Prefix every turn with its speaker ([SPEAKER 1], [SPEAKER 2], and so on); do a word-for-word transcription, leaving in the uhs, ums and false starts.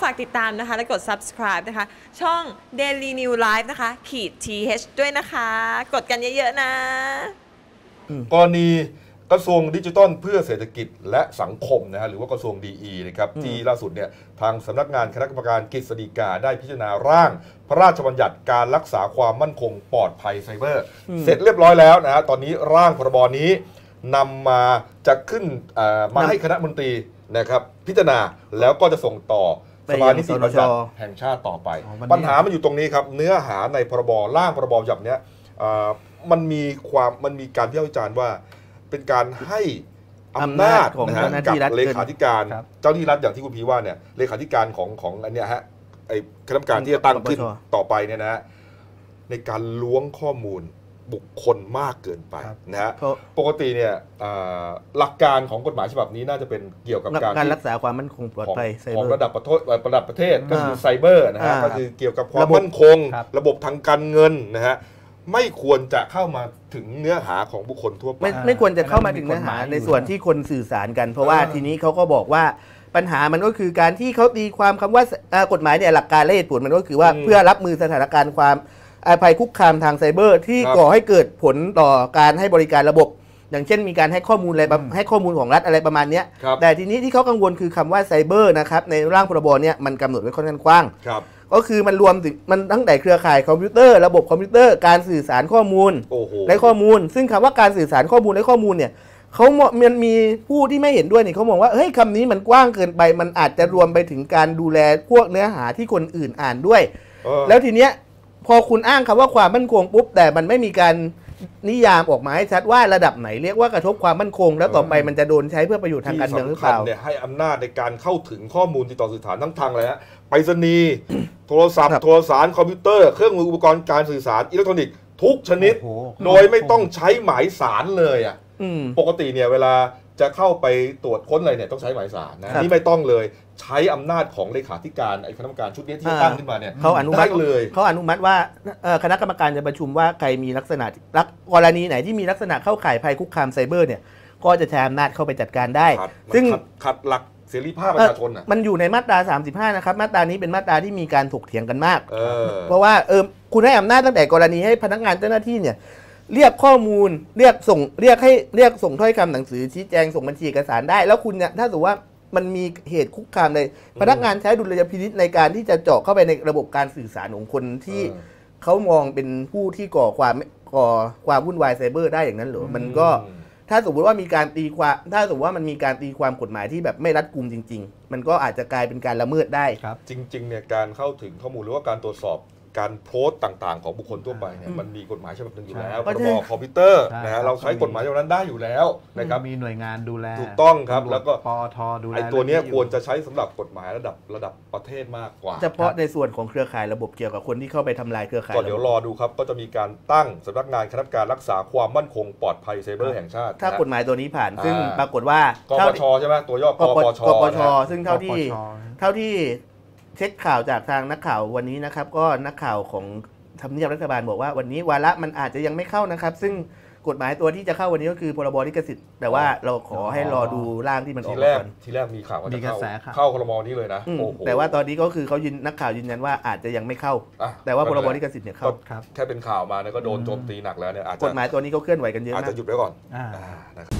[SPEAKER 1] ากติดตามนะคะและกด Subscribe นะคะช่อง Daily New Life นะคะขีด ที เอช ด้วยนะคะกดกันเยอะๆนะ
[SPEAKER 2] กรณีกระทรวงดิจิทัลเพื่อเศรษฐกิจและสังคมนะฮะหรือว่ากระทรวง ดี อี นะครับที่ล่าสุดเนี่ยทางสำนักงานคณะกรรมการกฤษฎีกาได้พิจารณาร่างพระราชบัญญัติการรักษาความมั่นคงปลอดภัยไซเบอร์เสร็จเรียบร้อยแล้วนะฮะตอนนี้ร่างพรบนี้นำมาจะขึ้นมาให้คณะมนตรีนะครับพิจารณาแล้วก็จะส่งต่อสภานิติบัญญัติแห่งชาติต่อไปปัญหามันอยู่ตรงนี้ครับเนื้อหาในพรบร่างพรบฉบับนี้มันมีความมันมีการวิพากษ์วิจารณ์ว่าเป็นการให้อำนาจนะฮะกับเลขาธิการเจ้าหน้าที่รัฐอย่างที่คุณพีว่าเนี่ยเลขาธิการของของอันเนี้ยฮะไอ้คณะกรรมการที่จะตั้งขึ้นต่อไปเนี่ยนะในการล้วงข้อมูลบุคคลมากเกินไปนะฮะปกติเนี่ยหลักการของกฎหมายฉบับนี้น่าจะเป็นเกี่ยวกับการ
[SPEAKER 3] รักษาความมั่นคงปลอดภัย
[SPEAKER 2] ของระดับประเทศระดับประเทศก็คือไซเบอร์นะฮะก็คือเกี่ยวกับความมั่นคงระบบทางการเงินนะฮะไม่ควรจะเข้ามาถึงเนื้อหาของบุคคลทั่วไป
[SPEAKER 3] ไม่ไม่ควรจะเข้ามาถึงเนื้อหาในส่วนที่คนสื่อสารกันเพราะว่าทีนี้เขาก็บอกว่าปัญหามันก็คือการที่เขาตีความคำว่ากฎหมายเนี่ยหลักการและเหตุผลมันก็คือว่าเพื่อรับมือสถานการณ์ความภัยคุกคามทางไซเบอร์ที่ก่อให้เกิดผลต่อการให้บริการระบบอย่างเช่นมีการให้ข้อมูลอะไรให้ข้อมูลของรัฐอะไรประมาณนี้แต่ทีนี้ที่เขากังวลคือคำว่าไซเบอร์นะครับในร่างพรบเนี่ยมันกำหนดไว้ค่อนข้างกว้างก็คือมันรวมถึงมันตั้งแต่เครือข่ายคอมพิวเตอร์ระบบคอมพิวเตอร์การสื่อสารข้อมูลและข้อมูลซึ่งคำว่าการสื่อสารข้อมูลและข้อมูลเนี่ยเขามันมีผู้ที่ไม่เห็นด้วยเนี่ยเขามองว่าเฮ้ยคำนี้มันกว้างเกินไปมันอาจจะรวมไปถึงการดูแลพวกเนื้อหาที่คนอื่นอ่านด้วยแล้วทีเนี้ยพอคุณอ้างคำว่าความมั่นคงปุ๊บแต่มันไม่มีการนิยามออกมาให้ชัดว่าระดับไหนเรียกว่ากระทบความมั่นคงแล้วต่อไปมันจะโดนใช้เพื่อประโยชน์ทางการเมืองหรือเปล่า
[SPEAKER 2] เนี่ยให้อำนาจในการเข้าถึงข้อมูลติดต่อสื่อสารทั้งทางอะไรฮะไปรษณีย์โทรศัพท์โทรสารคอมพิวเตอร์เครื่องมืออุปกรณ์การสื่อสารอิเล็กทรอนิกส์ทุกชนิดโดยไม่ต้องใช้หมายสารเลยอ่ะปกติเนี่ยเวลาจะเข้าไปตรวจค้นอะไรเนี่ยต้องใช้หมายสารนะนี่ไม่ต้องเลยใช้อำนาจของเลขาธิการไอ้คณะกรรมการชุดนี้ที่ตั้งขึ้นมาเนี่ย
[SPEAKER 3] เขาอนุมัติเลยเขาอนุมัติว่าคณะกรรมการจะประชุมว่าใครมีลักษณะกรณีไหนที่มีลักษณะเข้าข่ายภัยคุกคามไซเบอร์เนี่ยก็จะใช้อำนาจเข้าไปจัดการได้
[SPEAKER 2] ซึ่งขัดหลักเสรีภาพประชาชนอ่ะ
[SPEAKER 3] มันอยู่ในมาตราสามสิบห้านะครับมาตรานี้เป็นมาตราที่มีการถกเถียงกันมากเพราะว่าเออคุณให้อำนาจตั้งแต่กรณีให้พนักงานเจ้าหน้าที่เนี่ยเรียกข้อมูลเรียกส่งเรียกให้เรียกส่งถ้อยคำหนังสือชี้แจงส่งบัญชีเอกสารได้แล้วคุณเนี่ยถ้าสมมติว่ามันมีเหตุคุกคามในพนักงานใช้ดุลยพินิจในการที่จะเจาะเข้าไปในระบบการสื่อสารของคนที่เขามองเป็นผู้ที่ก่อความก่อความวุ่นวายไซเบอร์ได้อย่างนั้นหรือมันก็ถ้าสมมติว่ามีการตีความถ้าสมมติว่ามันมีการตีความกฎหมายที่แบบไม่รัดกุมจริงๆมันก็อาจจะกลายเป็นการละเมิดได้
[SPEAKER 2] ครับจริงๆเนี่ยการเข้าถึงข้อมูลหรือว่าการตรวจสอบการโพสต์ต่างๆของบุคคลทั่วไปเนี่ยมันมีกฎหมายฉบับหนึ่งอยู่แล้วพรบคอมพิวเตอร์นะฮะเราใช้กฎหมายฉบับนั้นได้อยู่แล้วนะครับ
[SPEAKER 4] มีหน่วยงานดูแล
[SPEAKER 2] ถูกต้องครับแล้วก็
[SPEAKER 4] ปอทดูแล
[SPEAKER 2] ไอ้ตัวนี้ควรจะใช้สำหรับกฎหมายระดับระดับประเทศมากกว่า
[SPEAKER 3] เฉพาะในส่วนของเครือข่ายระบบเกี่ยวกับคนที่เข้าไปทำลายเครือข่าย
[SPEAKER 2] ก็เดี๋ยวรอดูครับก็จะมีการตั้งสำนักงานคณะกรรมการรักษาความมั่นคงปลอดภัยไซเบอร์แห่งชาติ
[SPEAKER 3] ถ้ากฎหมายตัวนี้ผ่านซึ่งปรากฏว่าก
[SPEAKER 2] ปชใช่ไหมตัวย่อกปช
[SPEAKER 3] กปชซึ่งเท่าที่เท่าที่เช็คข่าวจากทางนักข่าววันนี้นะครับก็นักข่าวของทำเนียบรัฐบาลบอกว่าวันนี้วาระมันอาจจะยังไม่เข้านะครับซึ่งกฎหมายตัวที่จะเข้าวันนี้ก็คือพรบลิขสิทธิ์แต่ว่าเราขอให้รอดูร่างที่มันออกมาก่อน
[SPEAKER 2] ทีแรกมีข่าวว่าจะเข้าเข้าพรบนี้เลยนะ
[SPEAKER 3] แต่ว่าตอนนี้ก็คือเขายืนนักข่าวยืนยันว่าอาจจะยังไม่เข้าแต่ว่าพรบลิขสิทธิ์เนี่ยเข้า
[SPEAKER 2] แค่เป็นข่าวมาเนี่ยก็โดนโจมตีหนักแล้วเนี่ย
[SPEAKER 3] กฎหมายตัวนี้ก็เคลื่อนไหวกันเยอะ
[SPEAKER 2] อาจจะหยุดไว้ก่อน